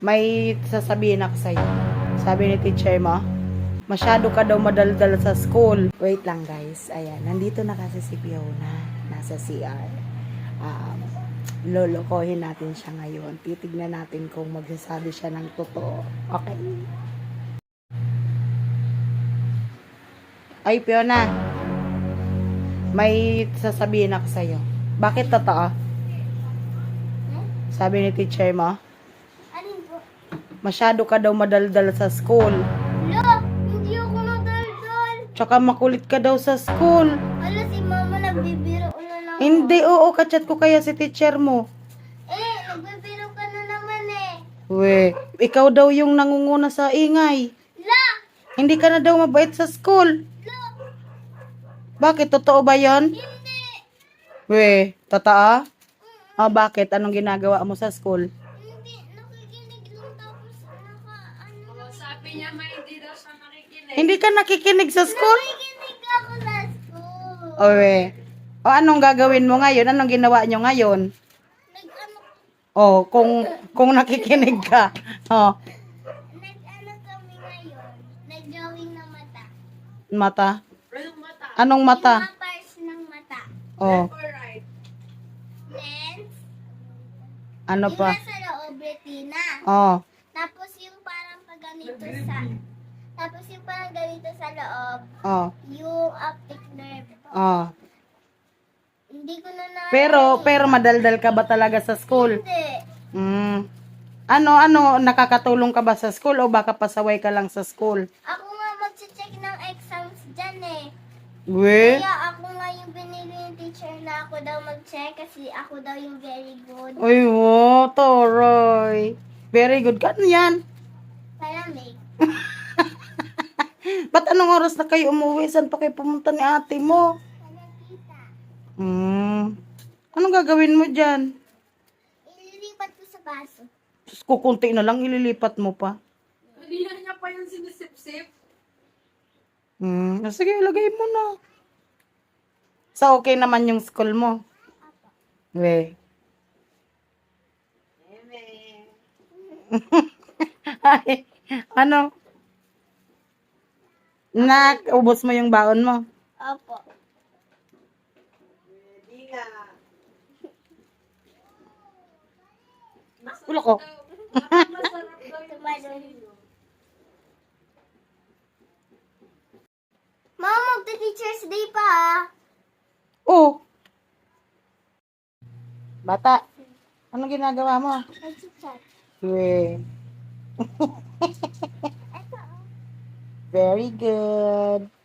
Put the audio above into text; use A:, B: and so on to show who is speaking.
A: May sasabihin ako sa'yo. Sabi ni teacher mo, masyado ka daw madaldal sa school. Wait lang guys. Ayan, nandito na kasi si Fiona. Nasa CR. Lolokohin natin siya ngayon. Titignan natin kung magsasabi siya ng totoo. Okay? Ay, Fiona. May sasabihin ako sa'yo. Bakit totoo? Sabi ni teacher mo, masyado ka daw madaldal sa school.
B: Lo, hindi ako nadaldal.
A: Tsaka makulit ka daw sa school.
B: Ala, si mama nagbibiro na lang.
A: Hindi, oo, kachat ko kaya si teacher mo.
B: Nagbibiro ka na naman eh.
A: We, ikaw daw yung nangunguna sa ingay.
B: La!
A: Hindi ka na daw mabait sa school.
B: Lo!
A: Bakit? Totoo ba yon?
B: Hindi!
A: We, totoo? Bakit? Anong ginagawa mo sa school?
B: Hindi, nakikinig lang tapos ano.
C: Sabi niya may hindi daw siya nakikinig.
A: Hindi ka nakikinig sa school?
B: Nakikinig ako sa school.
A: We, anong gagawin mo ngayon? Anong ginawa nyo ngayon?
B: Nag-ano
A: Kung nakikinig ka.
B: nag-ano kami ngayon. Nag-drawing ng mata.
A: Mata?
C: Anong mata?
A: Anong mata?
B: Yung mga parts ng mata.
A: Oh,
C: Left or right?
B: Lens.
A: ano
B: Yung
A: pa?
B: nasa loob, retina.
A: Oh,
B: Tapos yung parang paganito sa... Tapos yung parang ganito sa loob,
A: oh,
B: yung optic nerve.
A: oh.
B: Hindi ko na
A: Pero madaldal ka ba talaga sa school?
B: Hindi.
A: Ano, nakakatulong ka ba sa school o baka pasaway ka lang sa school?
B: Ako nga mag-check ng exams dyan eh.
A: We?
B: Kaya ako nga yung binili ng teacher na ako daw mag-check kasi ako daw yung very good.
A: Uy, wow, Toroy. Very good ka. Ano yan?
B: Palamig.
A: Ba't anong oras na kayo umuwi? Saan pa kayo pumunta ni ate mo?
B: Palagkita.
A: Anong gagawin mo dyan?
B: Ililipat ko sa baso.
A: Sus, kukunti na lang, ililipat mo pa.
C: Hindi na niya pa yung sinisip-sip.
A: Sige, ilagay mo na. So, okay naman yung school mo? We. Ay, ano? Ubos mo yung baon mo?
B: Opo.
A: Ulo ko.
C: Masarap daw yung
B: Tumalon. Mama, magta-teacher's day pa ah.
A: Oh. Bata, anong ginagawa mo?
B: Nag-chat.
A: We.
B: Ito oh.
A: Very good.